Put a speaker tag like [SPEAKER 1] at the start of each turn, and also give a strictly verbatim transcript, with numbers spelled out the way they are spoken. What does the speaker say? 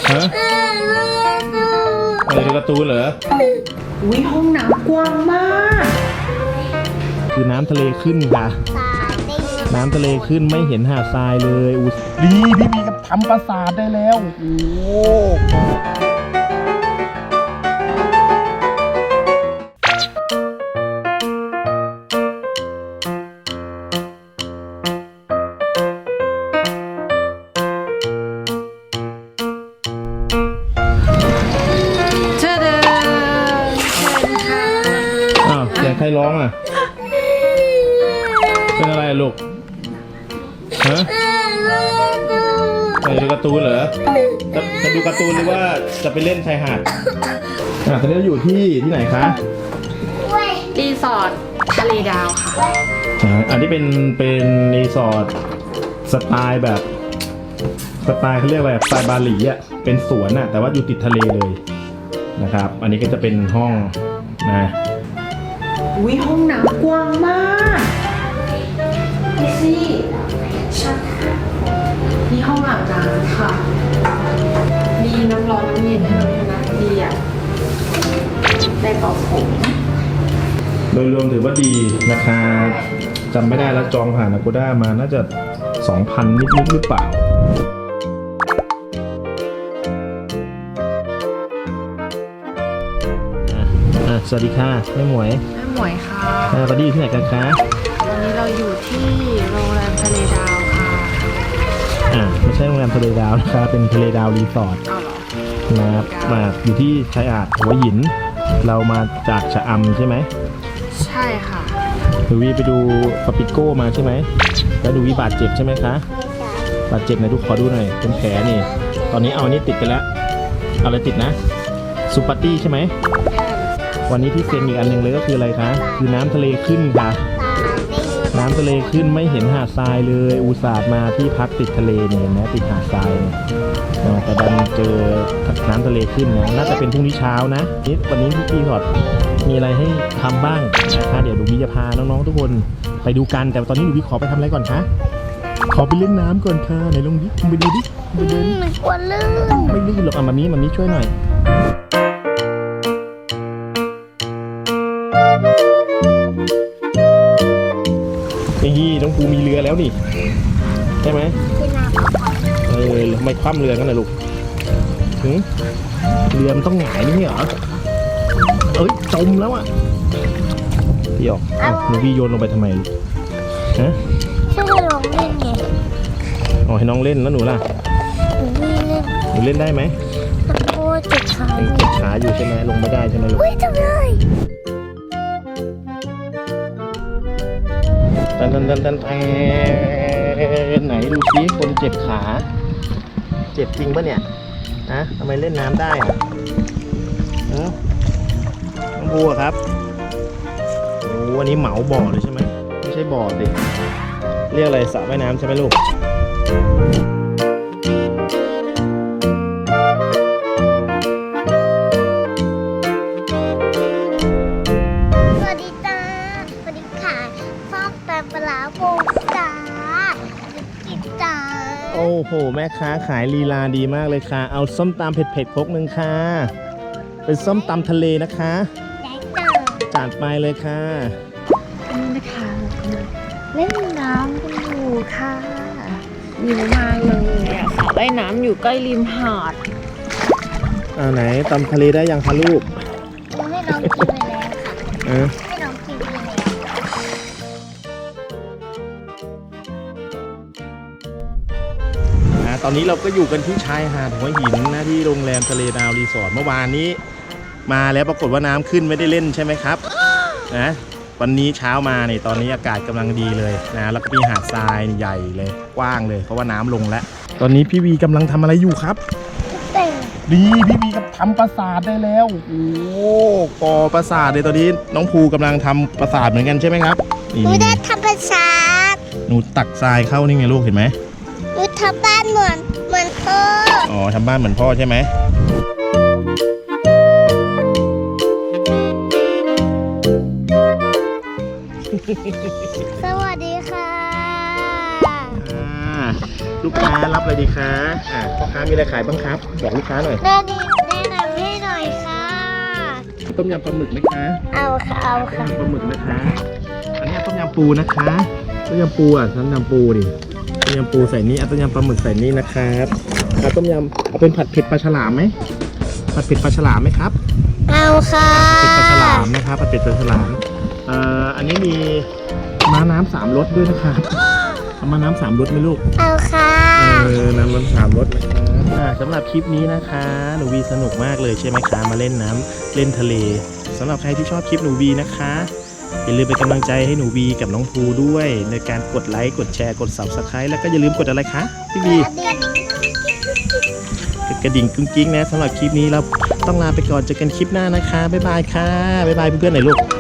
[SPEAKER 1] ฮะอะไรการ์ตูนเหรอ
[SPEAKER 2] อุ้ยห้องน้ำกว้างมาก
[SPEAKER 1] คือน้ำทะเลขึ้นค่ะน้ำทะเลขึ้นไม่เห็นหาดทรายเลยอุ้ยดีพี่บีกับทำปราสาทได้แล้วโอ้เสียงใครร้องอ่ะเป็นอะไรลูกฮะจะดูการ์ตูนเหรอจะจะดูการ์ตูนหรือว่าจะไปเล่นชายหาดอ่ะตอนนี้เราอยู่ที่ที่ไหนคะ
[SPEAKER 2] รีสอร์ททะเลดาวค่ะ
[SPEAKER 1] อ่าอันนี้เป็นเป็นรีสอร์ทสไตล์แบบสไตล์เขาเรียกอะไรสไตล์บาหลีอ่ะเป็นสวนอ่ะแต่ว่าอยู่ติดทะเลเลยนะครับอันนี้ก็จะเป็นห้องนะ
[SPEAKER 2] อุ้ยห้องน้ำกว้างมากนี่สิชัดนี่ห้องอาบน้ำค่ะมีน้ำร้อนน้ำเย็นให้เราด้วยนะดีอ่ะได้เป่าผม
[SPEAKER 1] โดยรวมถือว่าดีราคาจำไม่ได้แล้วจองผ่าน Agoda มาน่าจะ สองพัน นิดๆหรือเปล่าสวัสดีค่ะแม่หมวย
[SPEAKER 2] แม่หมวยค่ะ
[SPEAKER 1] อ่าตอนนี้อยู่ที่ไหนกันคะ
[SPEAKER 2] วันนี้เราอยู่ที่โรงแรมทะเลดาวค่ะ
[SPEAKER 1] อ่าไม่ใช่โรงแรมทะเลดาวนะคะเป็นทะเลดาวรีสอร์ทนะครับมาอยู่ที่ชายหาดหัวหินเรามาจากชะอำใช่ไหม
[SPEAKER 2] ใช่ค่ะ
[SPEAKER 1] ดูวีไปดูปาปิโก้มาใช่ไหมแล้วดูวีบาดเจ็บใช่ไหมคะบาดเจ็บไหนดูขอดูหน่อยเป็นแผลนี่ตอนนี้เอาอันนี้ติดไปแล้วเอาอะไรติดนะซูปาร์ตี้ใช่ไหมวันนี้ที่เซ็นอีกอันหนึ่งเลยก็คืออะไรคะคือน้ำทะเลขึ้นค่ะน้ำทะเลขึ้นไม่เห็นหาดทรายเลยอุตส่าห์มาที่พักติดทะเลเนี่ยเห็นไหมติดหาดทรายเนี่ยแต่ดันเจอน้ำทะเลขึ้นนะน่าจะเป็นพรุ่งนี้เช้านะนี่วันนี้พี่ขอดมีอะไรให้ทำบ้างนะคะเดี๋ยวดูวิจะพาน้องๆทุกคนไปดูกันแต่ตอนนี้ดูวิขอไปทำอะไรก่อนคะขอไปเล่นน้ำก่อนค่ะไหนลงดิไปดูดิไปเดิน
[SPEAKER 2] มันกลัวลื่น
[SPEAKER 1] ไม่ลื่นหรอกอ่ะมามีมามีช่วยหน่อยนี่น้องภูมีเรือแล้วนี่ใช่ไหมเออไม่คว่ำเรือกันนะลูกถึงเรือมันต้องหงายนี่เหรอเอ้ยจมแล้วอ่ะพี่ออกอ้าวหนูพี่โยนลงไปทำไมฮะ
[SPEAKER 2] ช่วยลงเล่นไง
[SPEAKER 1] อ๋อให้น้องเล่นแล้วหนูล่ะหนูเล่นหนูเล่นได้ไหม
[SPEAKER 2] โอ้เจ็บขา
[SPEAKER 1] เจ็บขาอยู่ใช่ไหมลงไม่ได้ใช่ไหมลูก
[SPEAKER 2] อุ้ยจังเลย
[SPEAKER 1] ตันตันตันตันตันไหนดูซิคนเจ็บขาเจ็บจริงปะเนี่ยนะทำไมเล่นน้ำได้อะน้องบัวครับโอ้วันนี้เหมาบ่อเลยใช่ไหมไม่ใช่บ่อสิเรียกอะไรสระว่ายน้ำใช่ไหมลูกโอ้โหแม่ค้าขายลีลาดีมากเลยค่ะเอาส้มตำเผ็ดๆครกหนึ่งค่ะเป็นส้มตำทะเลนะคะจัดไปเลยค่ะ
[SPEAKER 2] นี่นะคะเล่นน้ำกันอยู่ค่ะหิวมากเลยอ่ะสระว่ายน้ำอยู่ใกล้ริมหาด
[SPEAKER 1] อ่าไหนตำทะเลได้ยังคะลูก
[SPEAKER 2] ให้น้องกินไปแล้วค่ะให้น้องกินไปแล้ว
[SPEAKER 1] ตอนนี้เราก็อยู่กันที่ชายหาดหัวหินนะที่โรงแรมทะเลดาวรีสอร์ทเมื่อวานนี้มาแล้วปรากฏว่าน้ำขึ้นไม่ได้เล่นใช่ไหมครับนะวันนี้เช้ามาเนี่ยตอนนี้อากาศกำลังดีเลยนะแล้วก็มีหาดทรายใหญ่เลยกว้างเลยเพราะว่าน้ำลงแล้วตอนนี้พี่วีกำลังทำอะไรอยู่ครับดีพี่วีกับทำปราสาทได้แล้วโอ้ก่อปราสาทเลยตอนนี้น้องภูกำลังทำปราสาทเหมือนกันใช่ไหมครับ
[SPEAKER 3] หนูได้ทำปราสาท
[SPEAKER 1] หนูตักทรายเข้านี่ไงลูกเห็นไหม
[SPEAKER 3] หนูทำบ้านเหมือนเหมือนพ่อ
[SPEAKER 1] อ๋อทำบ้านเหมือนพ่อใช่ไหม
[SPEAKER 3] สวัสดีค่ะ
[SPEAKER 1] ลูกค้ารับอะไรดีคะอ่ะพ่อค้ามีอะไรขายบ้างครับบอกลูกค้าหน่อย
[SPEAKER 3] แม่ดีแนะนำให้หน่อยค่ะ
[SPEAKER 1] ต้มยำปลาหมึกไหมคะ
[SPEAKER 3] เอาค่ะเอา
[SPEAKER 1] ต้ม
[SPEAKER 3] ค่ะ
[SPEAKER 1] ยำปลาหมึกนะคะ อันนี้ต้มยำปูนะคะต้มยำปูอ่ะต้มยำปูดิต้มยำปูใส่นี่เอาต้มยำปลาหมึกใส่นี่นะครับเอาต้มยำเอาเป็นผัดเผ็ดปลาฉลามไหมผัดเผ็ดปลาฉลามไหมครับ
[SPEAKER 3] เอาค่ะ
[SPEAKER 1] ผัดเผ็ดปลาฉลามนะครับผัดเผ็ดปลาฉลามเอ่ออันนี้มีม้าน้ำสามรสด้วยนะครับเอาม้าน้ำสามรสไหมลูก
[SPEAKER 3] เอาค่ะ
[SPEAKER 1] เออน้ำมันสามรสนะครับอ่าสำหรับคลิปนี้นะคะหนูวีสนุกมากเลยใช่ไหมคะมาเล่นน้ำเล่นทะเลสำหรับใครที่ชอบคลิปหนูวีนะคะอย่าลืมเป็นกำลังใจให้หนูวีกับน้องภูด้วย ในการกดไลค์กดแชร์กด ซับสไครบ์ แล้วก็อย่าลืมกดอะไรคะพี่วีกดกระดิ่งกุ้งกิ้งนะสำหรับคลิปนี้เราต้องลาไปก่อนเจอกันคลิปหน้านะคะบ๊ายบายค่ะบ๊ายบายเพื่อนๆหน่อยลูก